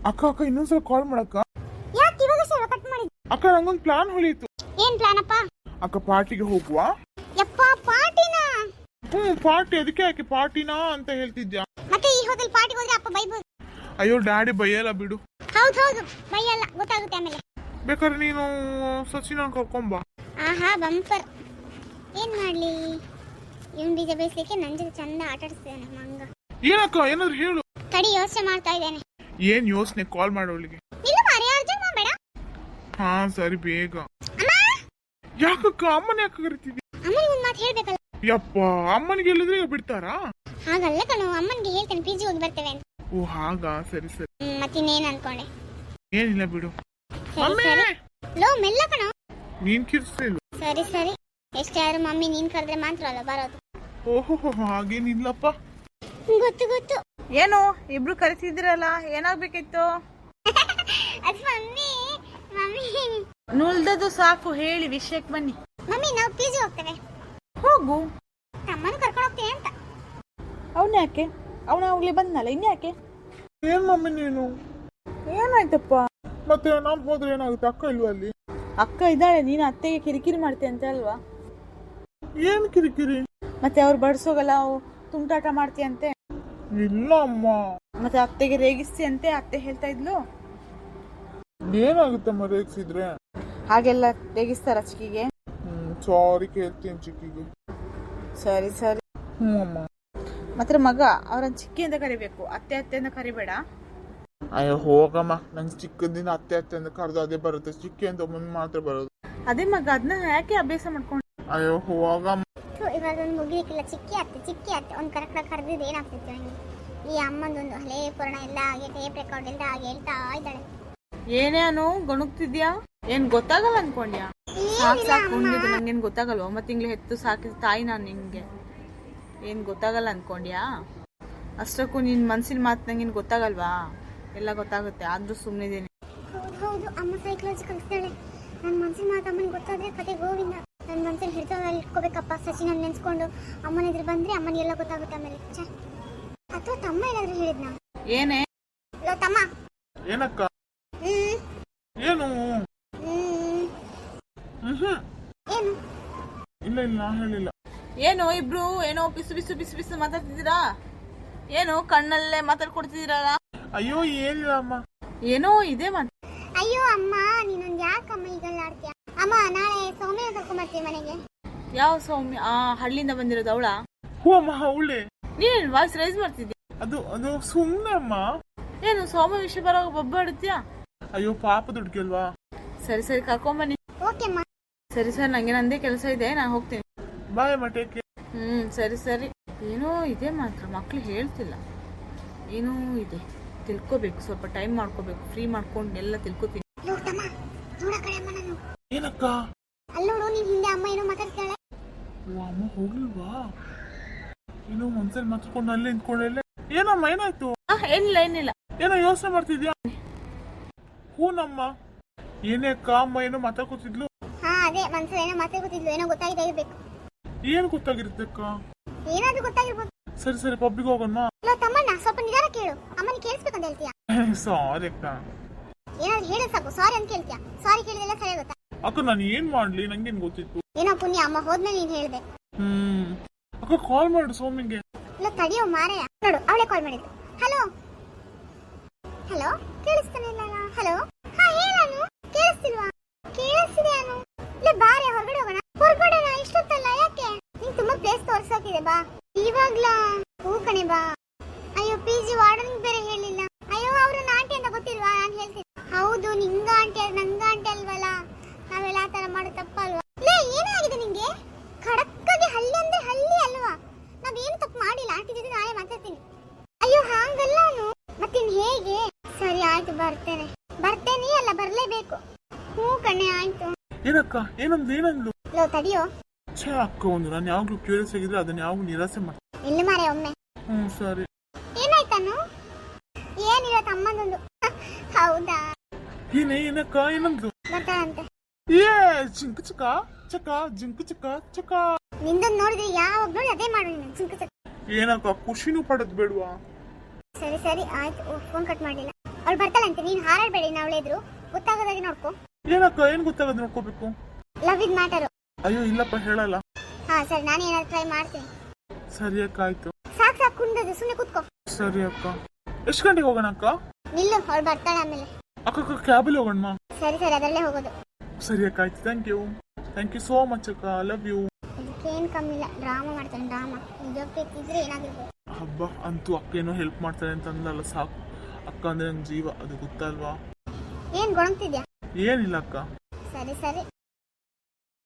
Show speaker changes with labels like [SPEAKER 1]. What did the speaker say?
[SPEAKER 1] ಅಕ್ಕ ಅಕ್ಕ ಇನ್ನೊಂದ್ಸಲ ಕಾಲ್ ಮಾಡಕ್ಕ.
[SPEAKER 2] ಯಾಕೆ ಇವಾಗ ಸರ್ ಕಟ್ ಮಾಡಿದ್ದೆ?
[SPEAKER 1] ಅಕ್ಕ ನಂಗೊಂದು ಪ್ಲಾನ್ ಹೊಳಿತು.
[SPEAKER 2] ಏನ್ ಪ್ಲಾನ್ ಅಪ್ಪ?
[SPEAKER 1] ಅಕ್ಕ ಪಾರ್ಟಿಗೆ ಹೋಗುವ.
[SPEAKER 2] ಯಪ್ಪ ಪಾರ್ಟಿನಾ?
[SPEAKER 1] ಪಾರ್ಟಿ, ಅದಕ್ಕೆ ಯಾಕೆ ಪಾರ್ಟಿನಾ ಅಂತ ಹೇಳ್ತಿದ್ಯಾ?
[SPEAKER 2] ಮತ್ತೆ ಈ ಹೋಟೆಲ್ ಪಾರ್ಟಿಗೆ ಹೋದ್ರೆ ಅಪ್ಪ ಬೈಬೋದು.
[SPEAKER 1] ಅಯ್ಯೋ ಡ್ಯಾಡಿ ಬೈಯಲ್ಲ ಬಿಡು.
[SPEAKER 2] ಹೌದು ಬೈಯಲ್ಲ, ಗೊತ್ತಾಗುತ್ತೆ ಆಮೇಲೆ.
[SPEAKER 1] ಬೇಕಾದ್ರೆ ನೀನು ಸಚಿನ ಕರ್ಕೊಂಬಾ.
[SPEAKER 2] ಆಹಾ ಬಂಪರ್. ಏನ್ ಮಾಡ್ಲಿ, ಇವನ್ ಬೀಜ ಬೇಯಿಸ್ಲಿಕ್ಕೆ ನನ್ ಜೊತೆ ಚಂದ ಆಟ ಆಡಿಸ್ತಿದ್ದಾನೆ ಮಂಗ.
[SPEAKER 1] ಏನಕ್ಕ ಏನಾದ್ರು ಹೇಳು.
[SPEAKER 2] ತಡಿ ಯೋಚನೆ ಮಾಡ್ತಾ ಇದ್ದೇನೆ.
[SPEAKER 1] ಏನ್ ಯೋಚನೆ? ಕಾಲ್ ಮಾಡೋಳಿಗೆ.
[SPEAKER 2] ಇಲ್ಲ ಮಾರಿ ಅರ್ಜೆಂಟ್ ಮಾಡಬೇಡ.
[SPEAKER 1] ಹಾ ಸರಿ ಬೇಗ.
[SPEAKER 2] ಅಮ್ಮ
[SPEAKER 1] ಯಾಕಕ್ಕ ಅಮ್ಮನ ಯಾಕೆ ಕರಿತಿದ್ದಿ?
[SPEAKER 2] ಅಮ್ಮನಿಗೆ ಒಂದ್ ಮಾತು ಹೇಳ್ಬೇಕಲ್ಲ.
[SPEAKER 1] ಯಪ್ಪ ಅಮ್ಮನಿಗೆ ಹೇಳಿದ್ರೆ ಬಿಡ್ತಾರಾ?
[SPEAKER 2] ಹಾಗಲ್ಲ ಕಣೋ, ಅಮ್ಮನಿಗೆ ಹೇಳ್ತೇನೆ ಪಿಜಿ ಹೋಗಿ ಬರ್ತೇವೆ ಅಂತ.
[SPEAKER 1] ಓ ಹಾಗಾ, ಸರಿ ಸರಿ.
[SPEAKER 2] ಮತ್ತಿನ್ನೇನ್ ಅನ್ಕೊಂಡೆ?
[SPEAKER 1] ಏನಿಲ್ಲ ಬಿಡು.
[SPEAKER 2] ಸರಿ ಲೋ ಮೆಲ್ಲ ಕಣೋ.
[SPEAKER 1] ನೀನ್ ಕಿರ್ಸ್ತಿಲ್ಲ.
[SPEAKER 2] ಸರಿ ಎಷ್ಟೇ ಆದ್ರೂ ಮಮ್ಮಿ ನೀನ್ ಕರೆದ್ರೆ ಮಾತ್ರ ಅಲ್ಲ ಬರೋದು.
[SPEAKER 1] ಓಹೋ ಹಾಗೇನಿಲ್ಲಪ್ಪ.
[SPEAKER 2] ಗೊತ್ತು.
[SPEAKER 3] ಏನು ಇಬ್ರು ಕರೆಸಿದ್ರಲ್ಲ, ಏನಾಗ್ಬೇಕಿತ್ತು?
[SPEAKER 2] ಅದು ಮಮ್ಮಿ
[SPEAKER 3] ನುಲ್ದದು ಸಾಕು, ಹೇಳಿ ವಿಷಯಕ್ಕೆ ಬನ್ನಿ.
[SPEAKER 2] ಮಮ್ಮಿ ನಾವು ಪಿಜಿ ಹೋಗ್ತೇವೆ.
[SPEAKER 3] ಹೋಗು.
[SPEAKER 2] ಅಮ್ಮನ ಕರ್ಕೊಂಡು ಹೋಗ್ತೇವೆ ಅಂತ.
[SPEAKER 3] ಅವನ ಯಾಕೆ? ಅವನ ಆಗ್ಲೇ ಬಂದ್ನಲ್ಲ, ಇನ್ಯಾಕೆ?
[SPEAKER 1] ಏನ್ ಮಮ್ಮಿ ನೀನು?
[SPEAKER 3] ಏನಾಯ್ತಪ್ಪ?
[SPEAKER 1] ಮತ್ತೆ ನಾನ್ ಹೋದ್ರೆ ಏನಾಗುತ್ತೆ? ಅಕ್ಕ ಇಲ್ವಾ ಅಲ್ಲಿ?
[SPEAKER 3] ಅಕ್ಕ ಇದ್ದಾಳೆ, ನೀನು ಅತ್ತೆಗೆ ಕಿರಿಕಿರಿ ಮಾಡ್ತೆ ಅಂತ ಅಲ್ವಾ?
[SPEAKER 1] ಏನ್ ಕಿರಿಕಿರಿ?
[SPEAKER 3] ಮತ್ತೆ ಅವ್ರು ಬಡ್ಸೋಗಲ್ಲ, ತುಂಟಾಟ ಮಾಡ್ತೀಯಂತೆ.
[SPEAKER 1] ಇಲ್ಲ ಅಮ್ಮ.
[SPEAKER 3] ಮತ್ತೆ ಅತ್ತೆಗೆ ರೇಗಿಸ್ತಿ ಅಂತೆ, ಅತ್ತೆ ಹೇಳ್ತಾ ಇದ್ಲು.
[SPEAKER 1] ಏನಾಗುತ್ತೆ ರೇಗಿಸಿದ್ರೆ?
[SPEAKER 3] ಹಾಗೆಲ್ಲ ರೇಗಿಸ್ತಾರ ಚಿಕ್ಕಿಗೆ?
[SPEAKER 1] ಸಾರಿ ಕೇಳ್ತೀನಿ ಚಿಕ್ಕಿಗೆ.
[SPEAKER 3] ಸರಿ
[SPEAKER 1] ಅಮ್ಮ.
[SPEAKER 3] ಮತ್ತೆ ಮಗ ಅವ್ರನ್ನ ಚಿಕ್ಕಿ ಅಂತ ಕರಿಬೇಕು, ಅತ್ತೆ ಅಂತ ಕರಿಬೇಡ.
[SPEAKER 1] ಅಯ್ಯೋ ಹೋಗಮ್ಮ, ನಂಗೆ ಚಿಕ್ಕದಿಂದ ಅತ್ತೆ ಅಂತ ಕರೆದು ಅದೇ ಬರುತ್ತೆ, ಚಿಕ್ಕಿ ಅಂತ ಮುಂದೆ ಮಾತ್ರ ಬರೋದು.
[SPEAKER 3] ಅದೇ ಮಗ, ಅದನ್ನ ಯಾಕೆ ಅಭ್ಯಾಸ ಮಾಡ್ಕೊಂಡು?
[SPEAKER 1] ಅಯ್ಯೋ ಹೋಗಮ್ಮ.
[SPEAKER 2] ಇವಾಗ ಒಂದು ಮುಗಿಲಿಕ್ಕಿಲ್ಲ, ಚಿಕ್ಕಿ ಅತ್ತೆ ಒಂದು ಕರೆಕ್ಟಾಗಿ ಕರೆದಿದ್ದು ಏನಾಗ್ತಿತ್ತು ನನಗೆ. ಈ ಅಮ್ಮಂದೊಂದು ಹಳೆ ಪುರಾಣ ಎಲ್ಲ ಹಾಗೆ ಟೇಪ್ ರೆಕಾರ್ಡ್ ಎಲ್ಲ ಹಾಗೆ ಹೇಳ್ತಾ ಇದ್ದಾಳೆ.
[SPEAKER 3] ಏನೇನು ಗೊಣಗ್ತಿದ್ಯಾ? ಏನ್ ಗೊತ್ತಾಗಲ್ಲ ಅನ್ಕೊಂಡ್ಯಾ? ಸಾಕೊಂಡಿದ್ದು ನಂಗೇನ್ ಗೊತ್ತಾಗಲ್ವ? 9 ತಿಂಗಳು ಹೆತ್ತು ಸಾಕಿದ ತಾಯಿ ನಾನು ನಿಂಗೆ. ಏನ್ ಗೊತ್ತಾಗಲ್ಲ ಅನ್ಕೊಂಡ್ಯಾ? ಅಷ್ಟಕ್ಕೂ ನಿನ್ ಮನ್ಸಿನ ಮಾತು ನಂಗೇನ್ ಗೊತ್ತಾಗಲ್ವಾ? ಎಲ್ಲ ಗೊತ್ತಾಗುತ್ತೆ, ಆದ್ರೂ ಸುಮ್ಮನಿದ್ದೀನಿ.
[SPEAKER 2] ಹೌದು ಅಮ್ಮ ಸೈಕಲಾಜಿ ಕಲಿಸ್ತಾಳೆ. ನನ್ನ ಮನ್ಸಿನ ಮಾತು ಅಮ್ಮನಿಗೆ ಗೊತ್ತಾದ್ರೆ ಕತೆ ಗೋವಿಂದ. ನನ್ನ ಮನ್ಸಲ್ಲಿ ಹಿಡಿತಲ್ಲಿ ಇಟ್ಕೋಬೇಕಪ್ಪ. ಸಚಿನ್ ನೆನ್ಸ್ಕೊಂಡು ಅಮ್ಮನ ಎದುರು ಬಂದ್ರೆ ಅಮ್ಮನಿಗೆಲ್ಲ ಗೊತ್ತಾಗುತ್ತೆ ಆಮೇಲೆ. ಅಥವಾ ತಮ್ಮ ಏನಾದ್ರು ಹೇಳಿದ್ನ?
[SPEAKER 3] ಏನೇ
[SPEAKER 2] ಲೋ ತಮ್ಮ.
[SPEAKER 1] ಏನಕ್ಕ? ಏನು?
[SPEAKER 2] ಏನು?
[SPEAKER 1] ಇಲ್ಲ ನಾ ಹೇಳಿಲ್ಲ.
[SPEAKER 3] ಏನೋ ಇಬ್ರು ಏನೋ ಬಿಸು ಮಾತಾಡ್ತಿದ್ದೀರಾ? ಏನೋ ಕಣ್ಣಲ್ಲೇ ಮಾತಾಡ್ಕೊಡ್ತಿದ್ದೀರಲ್ಲ?
[SPEAKER 1] ಅಯ್ಯೋ ಏನಿಲ್ಲ ಅಮ್ಮ.
[SPEAKER 3] ಏನೋ ಇದೆ ಮಾತು.
[SPEAKER 2] ಅಯ್ಯೋ ಅಮ್ಮ, ನೀನೊಂದು ಯಾಕಮ್ಮ ಈಗೆಲ್ಲ ಆಡ್ತೀಯ? ಅಮ್ಮ ನಾಳೆ ಸೌಮ್ಯ ಕರ್ಕೊಂಡ್ಬರ್ತೀವಿ ಮನೆಗೆ.
[SPEAKER 3] ಯಾವ ಸೌಮ್ಯ? ಹಳ್ಳಿಯಿಂದ ಬಂದಿರೋದು ಅವಳ?
[SPEAKER 1] ಹೂ ಅಮ್ಮ ಅವಳೆ.
[SPEAKER 3] ನೀನ್ ವಾಯ್ಸ್ ರೈಸ್ ಮಾಡ್ತಿದ್ಯಾ?
[SPEAKER 1] ಅದು ಸುಮ್ಮನೆ ಅಮ್ಮ.
[SPEAKER 3] ಏನು ಸೌಮ್ಯ ವಿಷಯ ಬರೋವಾಗ ಬಬ್ಬಾಡುತ್ತೀಯಾ?
[SPEAKER 1] ಅಯ್ಯೋ ಪಾಪ ದುಡ್ಗಲ್ವಾ.
[SPEAKER 3] ಸರಿ ಕರ್ಕೊಂಬನ್ನಿ.
[SPEAKER 2] ಓಕೆ ಅಮ್ಮ.
[SPEAKER 3] ಸರಿ ನಂಗೆ ನಂದೇ ಕೆಲಸ ಇದೆ, ನಾನು ಹೋಗ್ತೀನಿ.
[SPEAKER 1] ಬಾಯ್ ಅಮ್ಮ, ಟೇಕ್ ಕೇರ್.
[SPEAKER 3] ಸರಿ. ಏನೋ ಇದೆ ಮಾತ್ರ, ಮಕ್ಳು ಹೇಳ್ತಿಲ್ಲ. ಏನೋ ಇದೆ, ತಿಳ್ಕೊಬೇಕು. ಸ್ವಲ್ಪ ಟೈಮ್ ಮಾಡ್ಕೋಬೇಕು, ಫ್ರೀ ಮಾಡ್ಕೊಂಡು ಎಲ್ಲ ತಿಳ್ಕೊತೀನಿ.
[SPEAKER 1] ಏನಕ್ಕ?
[SPEAKER 2] ಅಲ್ಲೋಡು, ನೀನ್ ಹಿಂದೆ ಅಮ್ಮ ಏನೋ ಮಾತಾಡ್ತಾಳೆ.
[SPEAKER 1] ಅಮ್ಮ ಹೋಗಿಲ್ವಾ? ಏನೋ ಮನ್ಸಲ್ಲಿ ಮಾತಾಡ್ಕೊಂಡು ಅಲ್ಲೇ ನಿಂತ್ಕೊಂಡೆ. ಏನಮ್ಮ ಏನಾಯ್ತು?
[SPEAKER 3] ಏನಿಲ್ಲ.
[SPEAKER 1] ಏನೋ ಯೋಚನೆ ಮಾಡ್ತಿದ್ಯಾ? ಹೂನಮ್ಮ. ಏನೇ ಅಕ್ಕ, ಅಮ್ಮ ಏನೋ ಮಾತಾಡ್ಕೊತಿದ್ಲು.
[SPEAKER 2] ಅದೇ ಮನ್ಸಲ್ಲಿ ಏನೋ ಮಾತಾಡ್ಕೊತಿದ್ಲು, ಏನೋ ಗೊತ್ತಾಗಿದೆ ಇರ್ಬೇಕು.
[SPEAKER 1] ಏನ್ ಗೊತ್ತಾಗಿರುತ್ತೆ ಅಕ್ಕ?
[SPEAKER 2] ಏನಾದ್ರೂ ಗೊತ್ತಾಗಿರ್ಬೋದು.
[SPEAKER 1] ಸರಿ ಪಬ್ಲಿಕ್ ಹೋಗೋಣ.
[SPEAKER 2] ತಮ್ಮಣ್ಣ ಸ್ವಲ್ಪ ನಿಧಾನ ಕೇಳು, ಅಮ್ಮನಿಗೆ ಕೇಳಿಸ್ಬೇಕಂತ ಹೇಳ್ತೀಯಾ?
[SPEAKER 1] ಸಾರಿ ಅಕ್ಕ.
[SPEAKER 2] ಏನಾದ್ರು ಹೇಳಿ ಸಾಕು, ಸಾರಿ ಅಂತ ಕೇಳ್ತೀಯಾ? ಸಾರಿ ಕೇಳಿದೆಲ್ಲ ಸರಿ ಆಗುತ್ತಾ?
[SPEAKER 1] ಅಕ್ಕ ನಾನು ಏನ್ ಮಾಡ್ಲಿ, ನಂಗೇನ್ ಗೊತ್ತಿತ್ತು.
[SPEAKER 2] ಏನೋ ಪುಣ್ಯ, ಅಮ್ಮ ಹೋದ್ಮೇಲೆ ನೀನ್ ಹೇಳ್ದೆ.
[SPEAKER 1] ಅಕ್ಕ ಕಾಲ್ ಮಾಡು ಸೌಮ್ಯಂಗೆ.
[SPEAKER 2] ಇಲ್ಲ ತಡಿಯೋ ಮಾರಾಯ, ನೋಡು ಅವಳೇ ಕಾಲ್ ಮಾಡಿದ್ದು. ಹಲೋ ಕೇಳಿಸ್ತಾನೆ ಇಲ್ಲ. ಹಲೋ ಹೇಳಾನು ಕೇಳಿಸ್ತಿಲ್ವಾ? ಕೇಳಿಸ್ತಿದೆ ಅನು. ಇಲ್ಲ ಬಾರೆ ಹೊರಗಡೆ ಹೋಗೋಣ. ಹೊರಗಡೆನಾ? ಇಷ್ಟೊತ್ತಲ್ಲ ಯಾಕೆ? ನಿಂಗೆ ತುಂಬಾ ಪ್ಲೇಸ್ ತೋರ್ಸೋಕಿದೆ, ಬಾ. ಇವಾಗ್ಲಾ? ಹೂ ಕಣೆ ಬಾ. ಅಯ್ಯೋ ಪಿಜಿ ವಾರ್ಡನ್ ಬೇರೆ ಹೇಳಿಲ್ಲ. ಅಯ್ಯೋ ಅವ್ರನ್ನ ಆಂಟಿ ಅಂತ ಗೊತ್ತಿಲ್ವಾ? ನಾನು ಹೇಳ್ತೀನಿ. ಹೌದು, ನಿಂಗ ಆಂಟಿ ನಂಗ ಆಂಟಿ ಅಲ್ವಲ್ಲ, ನಾವೆಲ್ಲ ಆ ತರ ಮಾಡೋ ತಪ್ಪಲ್ವಾ? ಏನಾಗಿದೆ ನಿಂಗೆ? ಖಡಕ್ಕಾಗಿ ಹಳ್ಳಿ ಅಂದ್ರೆ ಹಳ್ಳಿ ಅಲ್ವಾ? ನಾವೇನು ತಪ್ಪು ಮಾಡಿಲ್ಲ, ಆಂಟಿ ಜೊತೆ ನಾಳೆ ಮಾತಾಡ್ತೀನಿ. ಅಯ್ಯೋ ಹಾಗಲ್ಲ ಅನು. ಮತ್ತಿನ್ ಹೇಗೆ? ಸರಿ ಆಯ್ತು, ಬರ್ತೇನೆ ಅಲ್ಲ ಬರ್ಲೇಬೇಕು. ಹೂ ಕಣೆ ಆಯ್ತು.
[SPEAKER 1] ಏನಕ್ಕ? ಏನಂದ್ಲು?
[SPEAKER 2] ಲೋ ತಡಿಯೋ.
[SPEAKER 1] ಅಕ್ಕ ಒಂದು ನಾನು ಯಾವಾಗ್ಲೂ ಕ್ಯೂರಿಯಸ್ ಆಗಿದ್ರೆ ಅದನ್ನ ಯಾವಾಗ್ಲೂ ನಿರಾಸೆ ಮಾಡ್ತೀನಿ.
[SPEAKER 2] ಇಲ್ಲ ಮಾರೆ ಒಮ್ಮೆ.
[SPEAKER 1] ಸರಿ.
[SPEAKER 2] ಏನಾಯ್ತಾನು? ಏನಿಲ್ಲ ತಮ್ಮಂದೊಂದು. ಹೌದಾ?
[SPEAKER 1] ಏನಕ್ಕ? ಏನಂದ್ಲು?
[SPEAKER 2] ಬರ್ತಾಳಂತೆ.
[SPEAKER 1] ಜಿಂಕು ಚಕ.
[SPEAKER 2] ನಿಂದೊಂದು ನೋಡಿದ್ರೆ ಯಾವಾಗ ನೋಡಿ ಅದೇ ಮಾಡು ನೀನು, ಜಿಂಕು ಚಕ.
[SPEAKER 1] ಏನಕ್ಕ ಖುಷಿನೂ ಪಡೋದ್ ಬೇಡವಾ?
[SPEAKER 2] ಸರಿ ಆಯ್ತು. ಫೋನ್ ಕಟ್ ಮಾಡಿಲ್ಲ. ಅವಳು ಬರ್ತಾಳಂತೆ, ನೀನ್ ಹಾರಾಡ್ಬೇಡಿ ಅವಳೆ ಎದುರು, ಗೊತ್ತಾಗೋದಾಗಿ ನೋಡ್ಕೊ.
[SPEAKER 1] ಏನಕ್ಕ ಏನ್ ಗೊತ್ತಾಗದ್ ನೋಡ್ಕೋಬೇಕು?
[SPEAKER 2] ಲವ್ ಇದ್ ಮ್ಯಾಟರ್.
[SPEAKER 1] ಅಯ್ಯೋ ಇಲ್ಲಪ್ಪ ಹೇಳಲ್ಲ.
[SPEAKER 2] ಹಾ ಸರಿ, ನಾನು ಏನಾದ್ರು ಟ್ರೈ ಮಾಡ್ತೀನಿ.
[SPEAKER 1] ಸರಿ ಅಕ್ಕ ಆಯ್ತು.
[SPEAKER 2] ಸಾಕ್ ಸಾಕು ಕುಂದದು, ಸುಮ್ಮನೆ ಕೂತ್ಕೋ.
[SPEAKER 1] ಸರಿ ಅಕ್ಕ. ಎಷ್ಟು ಗಂಟೆಗೆ ಹೋಗೋಣ ಅಕ್ಕ?
[SPEAKER 2] ನಿಲ್ಲು, ಅವಳು ಬರ್ತಾಳೆ ಆಮೇಲೆ.
[SPEAKER 1] ಅಕ್ಕ ಕ್ಯಾಬಲ್ಲಿ ಹೋಗೋಣ.
[SPEAKER 2] ಸರಿ ಸರಿ, ಅದರಲ್ಲೇ ಹೋಗೋದು.
[SPEAKER 1] ಸರಿ ಅಕ್ಕ ಆಯ್ತು. ಥ್ಯಾಂಕ್ ಯು ಸೋ ಮಚ್ ಅಕ್ಕ. Love you.
[SPEAKER 2] ಇದಕ್ಕೇನು ಕಮ್ಮಿ ಇಲ್ಲ, ಡ್ರಾಮಾ ಮಾಡ್ತಾನೆ ಡ್ರಾಮಾ. ನಿಜಕ್ಕೆ ಇದ್ರೆ ಏನಾಗಿರ್ಬೋದು.
[SPEAKER 1] ಹಬ್ಬ ಅಂತೂ ಅಕ್ಕ ಏನೋ ಹೆಲ್ಪ್ ಮಾಡ್ತಾನೆ ಅಂತ ಅಂದಲ್ಲ, ಸಾಕು. ಅಕ್ಕ ಅಂದ್ರೆ ನಂಗೆ ಜೀವ, ಅದು ಗೊತ್ತಲ್ವಾ?
[SPEAKER 2] ಏನ್ ಗೊಣಗ್ತಿದ್ಯಾ?
[SPEAKER 1] ಏನಿಲ್ಲ ಅಕ್ಕ.
[SPEAKER 2] ಸರಿ ಸರಿ.